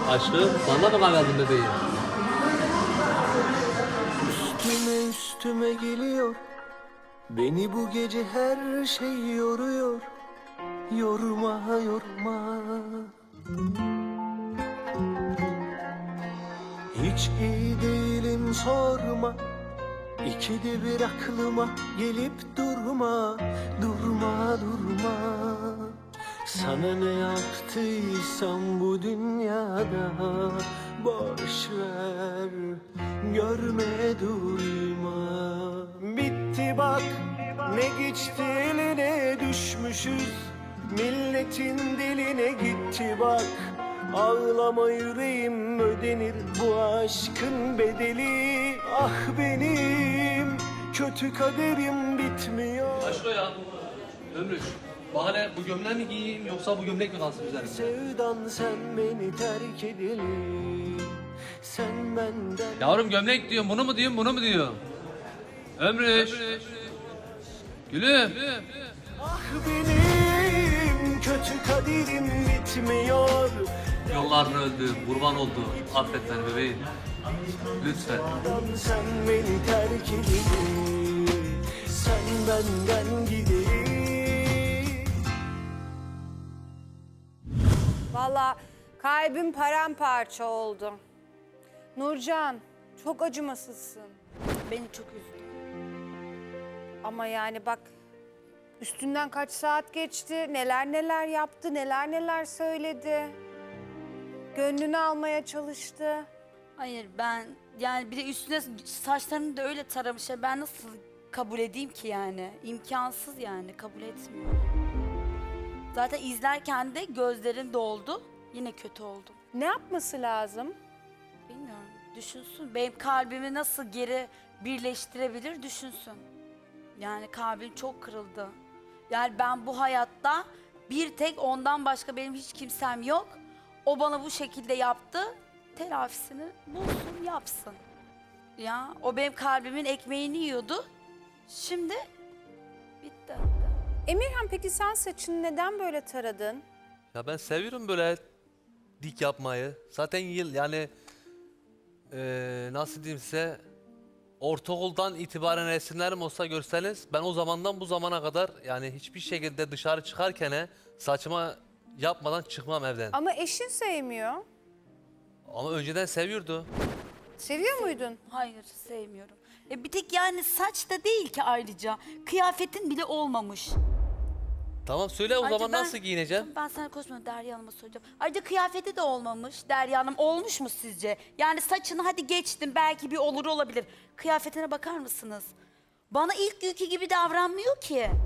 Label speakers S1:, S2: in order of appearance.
S1: Aşkım sana mı kanadım bebeğim?
S2: Üstüme üstüme geliyor. Beni bu gece her şey yoruyor. Yorma yorma. Hiç iyi değilim sorma. İkide bir aklıma gelip durma. Durma durma. Sana ne yaptıysam bu dünyada boş ver, görme duyma. Bitti bak, ne geçti eline düşmüşüz. Milletin diline gitti bak. Ağlama yüreğim, ödenir bu aşkın bedeli. Ah benim kötü kaderim bitmiyor.
S1: Aşko ya. Ömrüş. Bahane bu gömleği mi giyeyim yoksa bu gömlek mi kalsın üzerinde?
S2: Sevdan sen beni terk edeli. Sen benden
S1: Yavrum gömlek diyorum, bunu mu diyorum, bunu mu diyorum? Ömrüş. Gülüm.
S2: ah benim kötü kaderim bitmiyor.
S1: Yolların öldü, kurban oldu. Affet beni bebeğim. Lütfen.
S2: Sen beni terk edeli. Sen benden gideli.
S3: Vallahi kalbim paramparça oldu. Nurcan, çok acımasızsın.
S4: Beni çok üzdü.
S3: Ama yani bak, üstünden kaç saat geçti, neler neler yaptı, neler neler söyledi. Gönlünü almaya çalıştı.
S4: Hayır ben yani bir de üstüne saçlarını da öyle taramış ya ben nasıl kabul edeyim ki yani? İmkansız yani kabul etmiyorum. Zaten izlerken de gözlerim doldu. Yine kötü oldum.
S3: Ne yapması lazım?
S4: Bilmiyorum. Düşünsün. Benim kalbimi nasıl geri birleştirebilir düşünsün. Yani kalbim çok kırıldı. Yani ben bu hayatta bir tek ondan başka benim hiç kimsem yok. O bana bu şekilde yaptı. Telafisini bulsun, yapsın. Ya o benim kalbimin ekmeğini yiyordu. Şimdi bitti.
S3: Emirhan, peki sen saçını neden böyle taradın?
S5: Ya ben seviyorum böyle dik yapmayı. Zaten yani nasıl diyeyim size, ortaokuldan itibaren resimlerim olsa görseniz ben o zamandan bu zamana kadar yani hiçbir şekilde dışarı çıkarken saçıma yapmadan çıkmam evden.
S3: Ama eşin sevmiyor.
S5: Ama önceden seviyordu.
S3: Seviyor muydun?
S4: Hayır sevmiyorum. Bir tek yani saç da değil ki ayrıca. Kıyafetin bile olmamış.
S5: Tamam söyle o
S4: Ayrıca
S5: zaman nasıl giyineceğim?
S4: Ben sana konuşmadım, Derya Hanım'a soracağım. Ayrıca kıyafeti de olmamış. Derya Hanım olmuş mu sizce? Yani saçını hadi geçtim belki bir olur olabilir. Kıyafetine bakar mısınız? Bana ilk günkü gibi davranmıyor ki.